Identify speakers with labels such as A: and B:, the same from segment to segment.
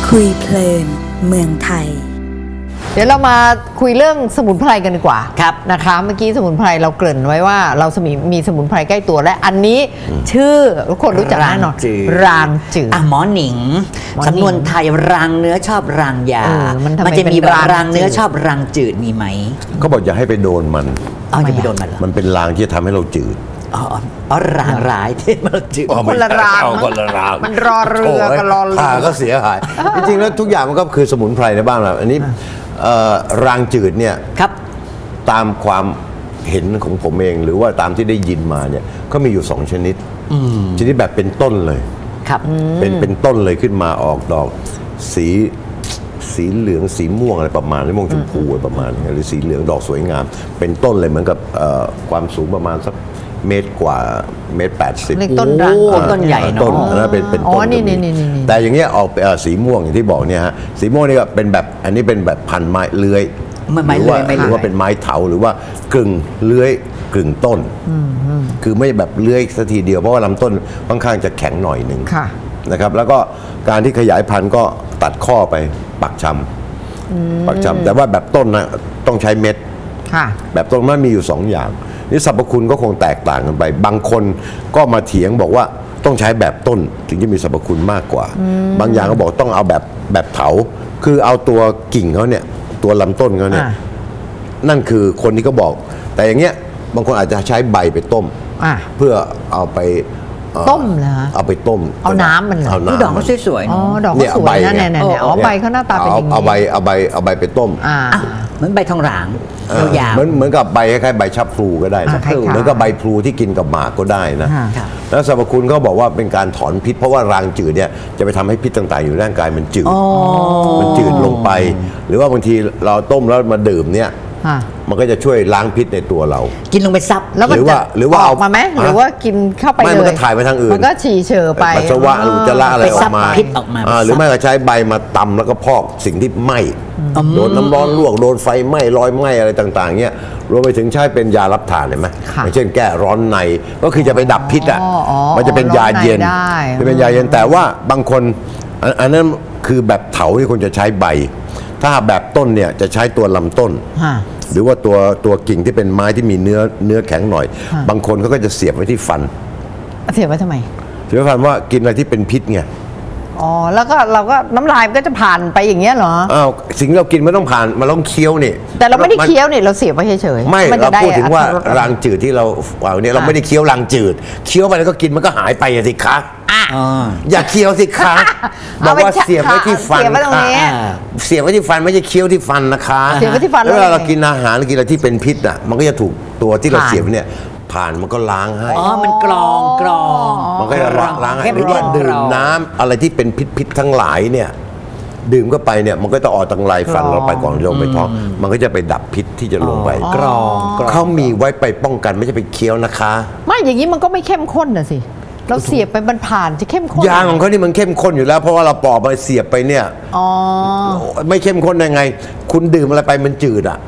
A: คุยเพลินเมืองไทย
B: เดี๋ยวเรามาคุยเรื่องสมุนไพรกันดีกว่า
C: ครับ
B: นะคะเมื่อกี้สมุนไพรเราเกริ่นไว้ว่าเรามีสมุนไพรใกล้ตัวและอันนี้ชื่อทุกคนรู้จักแน่นอนรางจืด
C: หมอหนิงสำนวนไทยรางเนื้อชอบรางยามันจะมีรางเนื้อชอบรางจืดมีไหม
D: เขาบอกอย่าให้ไปโดนมัน
C: อย่าไปโดนมันมัน
D: เป็นรางที่จะทำให้เราจืด
C: รางร้ายที่มันจืด
B: คนละรางมันรอเรือกับรอเรือ
D: ก็เสียหายจริงๆแล้วทุกอย่างมันก็คือสมุนไพรในบ้านเราอันนี้รางจืดเนี่ย
C: ครับ
D: ตามความเห็นของผมเองหรือว่าตามที่ได้ยินมาเนี่ยก็มีอยู่2ชนิดชนิดแบบเป็นต้นเลย
C: ครับ
D: เป็นต้นเลยขึ้นมาออกดอกสีเหลืองสีม่วงอะไรประมาณนี้ม่วงชมพูอะไรประมาณนี้หรือสีเหลืองดอกสวยงามเป็นต้นเลยเหมือนกับความสูงประมาณสักเมตรกว่าเมตร80
B: ต้นรัง
C: ต้นใหญ่เนาะ
D: ต้นนะเป็นต้นแต่อย่างเงี้ยออกสีม่วงอย่างที่บอกเนี่ยฮะสีม่วงนี่ก็เป็นแบบอันนี้เป็นแบบพันไม้เลื้อยหรือว่าเป็นไม้เถาหรือว่ากึ่งเลื้อยกึ่งต้นคือไม่แบบเลื้อยสักทีเดียวเพราะว่าลำต้นค่อนข้างจะแข็งหน่อยหนึ่งนะครับแล้วก็การที่ขยายพันธุ์ก็ตัดข้อไปปักชำแต่ว่าแบบต้นนะต้องใช้เม็ดแบบต้นมันมีอยู่2อย่างนี่สรรพคุณก็คงแตกต่างกันไปบางคนก็มาเถียงบอกว่าต้องใช้แบบต้นถึงจะมีสรรพคุณมากกว่าบางอย่างก็บอกต้องเอาแบบเถาคือเอาตัวกิ่งเขาเนี่ยตัวลำต้นเขาเนี่ยนั่นคือคนที่เขาบอกแต่อย่างเงี้ยบางคนอาจจะใช้ใบไปต้มเพื่อเอาไป
B: ต้มเหรอ
D: เอาไปต้ม
B: เอาน้ำมันเหรอ
C: ดอกเขาสวย
B: ๆดอกเขาสวยนะเนี่ยใบเขาหน้าตาเป็นอย่างนี้
D: เอาใบไปต้ม
C: เหมือนใบทองหลางยาว
D: เหมือนกับใบคล้ายๆใบชับพลูก็ได้นะเหมือนกับใบพลูที่กินกับหมากก็ได้นะแล้วสรรพคุณเขาบอกว่าเป็นการถอนพิษเพราะว่ารางจืดเนี่ยจะไปทำให้พิษต่างๆอยู่ในร่างกายมันจืดลงไปหรือว่าบางทีเราต้มแล้วมาดื่มเนี่ยมันก็จะช่วยล้างพิษในตัวเรา
C: กินลงไปซับ
B: แล้วหรือว่าออกมาไหมหรือว่ากินเข้าไปเลย
D: มันก็ถ่ายไปทางอื่น
B: มันก็ฉี่เฉอไป
D: ปัสสาวะอุจจาระอะไรออกมา
C: พิษออกมา
D: หรือไม่ก็ใช้ใบมาตำแล้วก็พอกสิ่งที่ไหม้โดนน้ำร้อนลวกโดนไฟไหม้รอยไหม้อะไรต่างๆเนี่ยรวมไปถึงใช้เป็นยารับทานเห็นไหมอย่างเช่นแก้ร้อนในก็คือจะไปดับพิษมันจะเป็นยาเย็นแต่ว่าบางคนอันนั้นคือแบบเถาที่คนจะใช้ใบถ้าแบบต้นเนี่ยจะใช้ตัวลำต้นหรือว่าตัวกิ่งที่เป็นไม้ที่มีเนื้อแข็งหน่อยบางคนเขาก็จะเสียบไว้ที่ฟัน
B: เสียบไว้ทำไม
D: เสียบไว้ฟันว่ากินอะไรที่เป็นพิษไง
B: แล้วก็เราก็น้ำลายมันก็จะผ่านไปอย่างเงี้ยเหรอ
D: สิ่งเรากินไม่ต้องผ่านมันต้องเคี้ยวนี่
B: แต่เราไม่ได้เคี้ยวนี่เราเสียบไว้เฉย
D: ๆไม่เราพูดถึงว่ารางจืดที่เราเอาเนี่ยเราไม่ได้เคี้ยวรางจืดเคี้ยวไปแล้วก็กินมันก็หายไปสิคะอย่าเคี้ยวสิคะบอกว่าเสียบไว้ที่ฟันเสียบไว้ที่ฟันไม่ใช่เคี้ยวที่ฟันนะคะ
B: เสียบไว้ที่ฟัน
D: แล้วเรากินอาหารกินอะไรที่เป็นพิษอ่ะมันก็จะถูกตัวที่เราเสียบเนี่ยผ่านมันก็ล้างให้
C: มันกรอง
D: มันก็จะล้างให้หรือว่าดื่มน้ำอะไรที่เป็นพิษทั้งหลายเนี่ยดื่มเข้าไปเนี่ยมันก็จะออกทางลายฟันเราไปก่อนลงไปท้องมันก็จะไปดับพิษที่จะลงไป
C: กรอง
D: เขามีไว้ไปป้องกันไม่ใช่ไปเคี้ยวนะคะ
B: ไม่อย่างนี้มันก็ไม่เข้มข้นน่ะสิเราเสียบไปมันผ่านจะเข้มข้น
D: ยางของเขานี่มันเข้มข้นอยู่แล้วเพราะว่าเราปอกไปเสียบไปเนี่ยไม่เข้มข้นได้ไงคุณดื่มอะไรไปมันจืดอ่ะ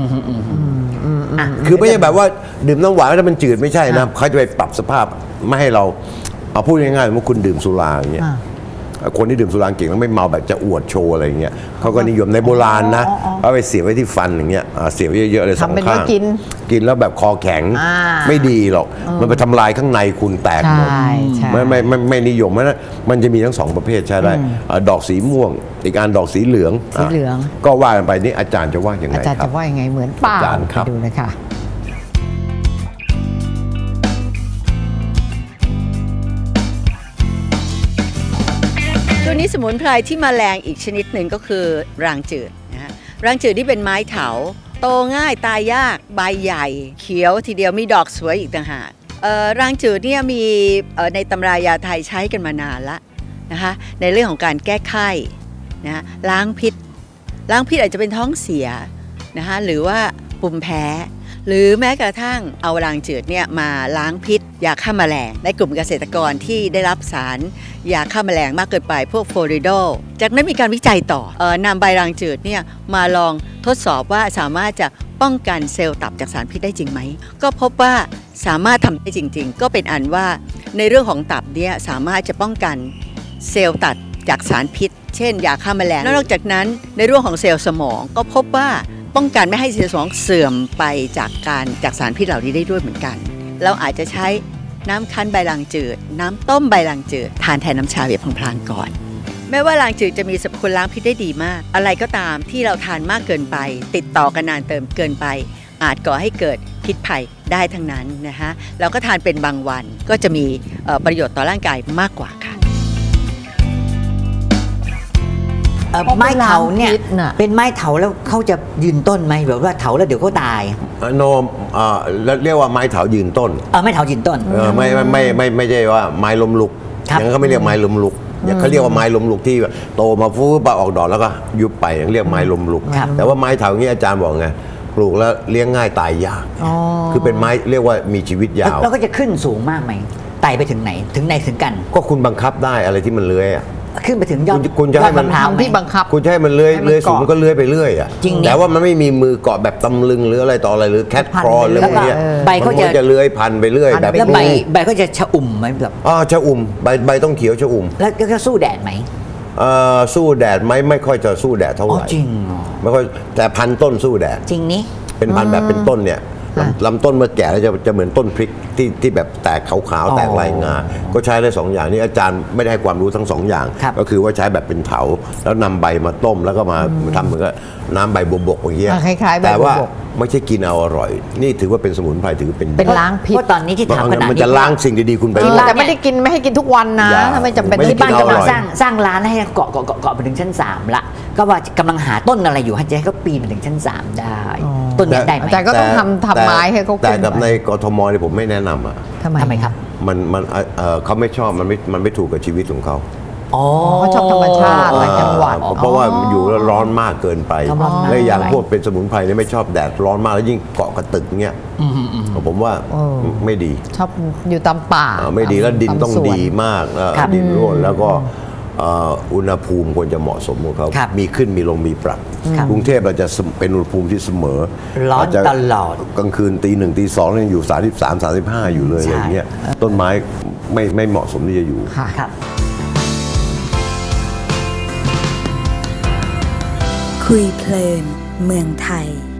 D: คือไม่ใช่แบบว่าดื่มน้ำหวานแล้วมันจืดไม่ใช่นะเขาจะไปปรับสภาพไม่ให้เราเอาพูดง่ายๆว่าคุณดื่มสุราอย่างเงี้ยคนที่ดื่มสุราเก่งแล้วไม่เมาแบบจะอวดโชว์อะไรอย่างเงี้ยเขาก็นิยมในโบราณนะเขาไปเสียบไว้ที่ฟันอย่างเงี้ยเสียบไว้เยอะๆเลยสองข้างกินแล้วแบบคอแข็งไม่ดีหรอกมันไปทำลายข้างในคุณแตกหมดไม่นิยมนะมันจะมีทั้ง2ประเภทใช่ได้ดอกสีม่วงอีกอันดอกสีเหลืองก็ว่ากันไปนี่อาจารย์จะว่ายังไง
B: อาจารย์จะว่ายังไงเหมือนเปล่าไปดูนะคะ
E: ตัวนี้สมุนไพรที่มาแรงอีกชนิดหนึ่งก็คือรางจืดนะฮะรางจืดที่เป็นไม้เถาโตง่ายตายยากใบใหญ่เขียวทีเดียวมีดอกสวยอีกต่างหากรางจืดเนี่ยมีในตำรายาไทยใช้กันมานานละนะคะในเรื่องของการแก้ไข้นะล้างพิษอาจจะเป็นท้องเสียนะคะหรือว่าปุ่มแพ้หรือแม้กระทั่งเอารางจืดเนี่ยมาล้างพิษยาฆ่าแมลงในกลุ่มเกษตรกรที่ได้รับสารยาฆ่าแมลงมากเกินไปพวกฟลูออริโดจากนั้นมีการวิจัยต่อนำใบรางจืดเนี่ยมาลองทดสอบว่าสามารถจะป้องกันเซลล์ตับจากสารพิษได้จริงไหมก็พบว่าสามารถทำได้จริงๆก็เป็นอันว่าในเรื่องของตับเนี่ยสามารถจะป้องกันเซลล์จากสารพิษเช่นยาฆ่าแมลงนอกจากนั้นในเรื่องของเซลล์สมองก็พบว่าป้องกันไม่ให้เซลล์สมองเสื่อมไปจากสารพิษเหล่านี้ได้ด้วยเหมือนกันเราอาจจะใช้น้ำคั้นใบลางจืดน้ำต้มใบลางจืดทานแทนน้ำชาแบบพลางๆก่อนแม้ว่าลางจืดจะมีสรรพคุณล้างพิษได้ดีมากอะไรก็ตามที่เราทานมากเกินไปติดต่อกันนานเกินไปอาจก่อให้เกิดพิษภัยได้ทั้งนั้นนะคะเราก็ทานเป็นบางวันก็จะมีประโยชน์ต่อร่างกายมากกว่าค่ะ
C: ไม้เถาเนี่ยเป็นไม้เถาแล้วเขาจะยืนต้นไหมแบบว่าเถาแล้วเดี๋ยวเขาตาย
D: โนเรียกว่าไม้เถายืนต้น
C: ไม้เถายืนต้น
D: ไม่ใช่ว่าไม้ล้มลุกอย่างนั้นเขาไม่เรียกไม้ล้มลุกเขาเรียกว่าไม้ล้มลุกที่โตมาฟูบออกดอกแล้วก็ยุบไปเรียกไม้ล้มลุกแต่ว่าไม้เถาอย่างนี้อาจารย์บอกไงปลูกแล้วเลี้ยงง่ายตายยากคือเป็นไม้เรียกว่ามีชีวิตยาว
C: แล้วก็จะขึ้นสูงมากไหมไต่ไปถึงไหนถึงกัน
D: ก็คุณบังคับได้อะไรที่มันเลื้อย
C: ขึ้นไปถึงยอด
D: คุณจะให้มัน
B: ที่บังคับ
D: คุณจะให้มันเลื้อยสูงมันก็เลื้อยไปเรื่อยจริงแต่ว่ามันไม่มีมือเกาะแบบตำลึงหรืออะไรต่ออะไรหรือแคทครอหรืออะไรเนี่ย
C: ใบเขา
D: จะเลื้อยพันไปเรื่อยแบบ
C: แล้วใบก็จะชะอุ่มไหมแบบ
D: ชะอุ่มใบต้องเขียวชะอุ่ม
C: แล้วก็สู้แดดไหม
D: สู้แดดไหมไม่ค่อยจะสู้แดดเท่าไหร่
C: จริง
D: ไม่ค่อยแต่พันต้นสู้แดด
C: จริงนี่
D: เป็นพันแบบเป็นต้นเนี่ยลำต้นเมื่อแก่แล้วจะเหมือนต้นพริกที่แบบแตกขาวๆแตกลายงาก็ใช้ได้2อย่างนี้อาจารย์ไม่ได้ให้ความรู้ทั้ง2อย่างก็คือว่าใช้แบบเป็นเถาแล้วนำใบมาต้มแล้วก็มาทำเหมือนกับน้ำใบบัวบกอย่างเงี้ยแต่ว่าไม่ใช่กินเอาอร่อยนี่ถือว่าเป็นสมุนไพรถือ
B: เป็นล้างพิษ
C: เพราะตอนนี้ที่ถามขนาดนี้
D: มันจะล้างสิ่งดีๆคุณไป
B: แต่ไม่ได้กินไม่ให้กินทุกวันนะถ้าไม่จำเป็น
C: ที่บ้านกำลังสร้างร้านให้เกาะไปถึงชั้น3ละก็ว่ากำลังหาต้นอะไรอยู่ให้เขาปีนไปถึงชั้น3ได้ต้นนี้ได้ไหม
B: แต่ก็ต้องทำไม้ให้เขา
D: แต่กับในกทมเนี่ยผมไม่แนะนำ
C: ทำไมครับ
D: มันเขาไม่ชอบมันไม่ถูกกับชีวิตของเขา
B: เขาชอบธรรมชาติหลายจังหวัด
D: เพราะว่าอยู่แล้วร้อนมากเกินไปและอย่างพวกเป็นสมุนไพรเนี่ยไม่ชอบแดดร้อนมากแล้วยิ่งเกาะกระตึกเงี้ยผมว่าไม่ดี
B: ชอบอยู่ตามป่า
D: ไม่ดีแล้วดินต้องดีมากดินร่วนแล้วก็อุณหภูมิควรจะเหมาะสมของเขามีขึ้นมีลงมีปรับกรุงเทพเราจะเป็นอุณหภูมิที่เสมอ
C: ร้อนตลอด
D: กลางคืนตี 1 ตี 2ยังอยู่33-35อยู่เลยอย่างเงี้ยต้นไม้ไม่เหมาะสมที่จะอยู่
A: คุยเพลินเมืองไทย